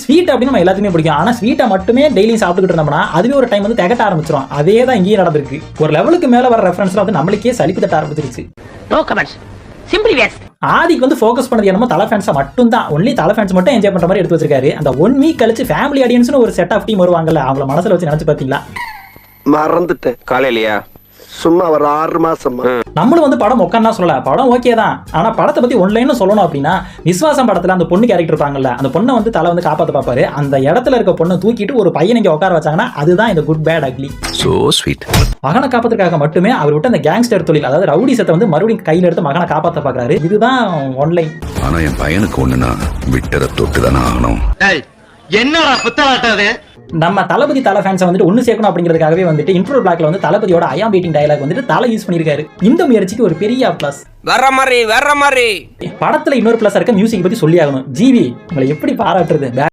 Sweet அப்படின்னு நம்ம எல்லாத்துக்குமே பிடிக்கும். ஆனா ஸ்வீட்டை மட்டுமே டெய்லி சாப்பிட்டுக்கிட்டு இருந்தோம்னா அதுவே ஒரு டைம் வந்து திகட்ட ஆரம்பிச்சிடும். அதே தான் இங்கேயும் நடந்திருக்கு. ஒரு லெவலுக்கு மேல வர ரெஃபரன்ஸ்ல வந்து நம்மளுக்கே சலிப்பு தட்ட ஆரம்பிச்சிருச்சு. No comments, simply waste. ஆதிக்கு வந்து ஃபோக்கஸ் பண்ணது என்னமோ தலை ஃபேன்ஸை மட்டும் தான், ஒன்லி தலை ஃபேன்ஸ் மட்டும் என்ஜாய் பண்ற மாதிரி எடுத்து வச்சிருக்காரு. அந்த 1 வீக் கழிச்சு ஃபேமிலி ஆடியன்ஸ்னு ஒரு செட் ஆஃப் டீம் வருவாங்கல்ல, அவங்கள மனசுல வச்சு நினைச்சு பாத்தீங்களா? மறந்துட்டேன். காலையிலயா சும்மா ஒரு 6 மாசமா நம்மளும் வந்து படம் உட்காந்து சொல்லல, படம் ஓகே தான். ஆனா படத்தை பத்தி ஒன்லைன் சொல்லணும் அப்படின்னா, விஸ்வாசம் படத்துல அந்த பொண்ணு கேரக்டர் இருப்பாங்கல்ல, அந்த பொண்ணை வந்து தலை வந்து காப்பாத்த பாப்பாரு. அந்த இடத்துல இருக்க பொண்ணை தூக்கிட்டு ஒரு பையன் இங்க உட்கார வச்சாங்கன்னா அதுதான் இந்த good bad ugly. So sweet. மகனை காப்பாத்துறதுக்காக மட்டுமே அவர் விட்டு அந்த கேங்ஸ்டர் தொழில், அதாவது ரவுடிசத்தை வந்து மறுபடியும் கையில எடுத்து மகனை காப்பாத்த பாக்குறாரு. இதுதான் ஒன்லைன். ஆனா என் பையனுக்கு ஒண்ணுனா விட்டத தொட்டுதானே ஆகணும். என்னடா புத்தாட்டது? நம்ம தளபதி தலை ஃபேன்ஸை வந்துட்டு ஒன்னு சேர்க்கணும் அப்படிங்கிறதுக்காகவே வந்துட்டு இன்ட்ரோ பிளாக்ல வந்து தளபதியோட ஐ ஆம் வெயிட்டிங் டயலாக் வந்துட்டு தலை யூஸ் பண்ணிருக்காரு. இந்த முயற்சிக்கு ஒரு பெரிய பிளஸ். வர்ற மாதிரி படத்துல இன்னொரு பிளஸ் இருக்க மியூசிக் பத்தி சொல்லி ஆகணும். ஜிவி உங்களை எப்படி பாராட்டுறது?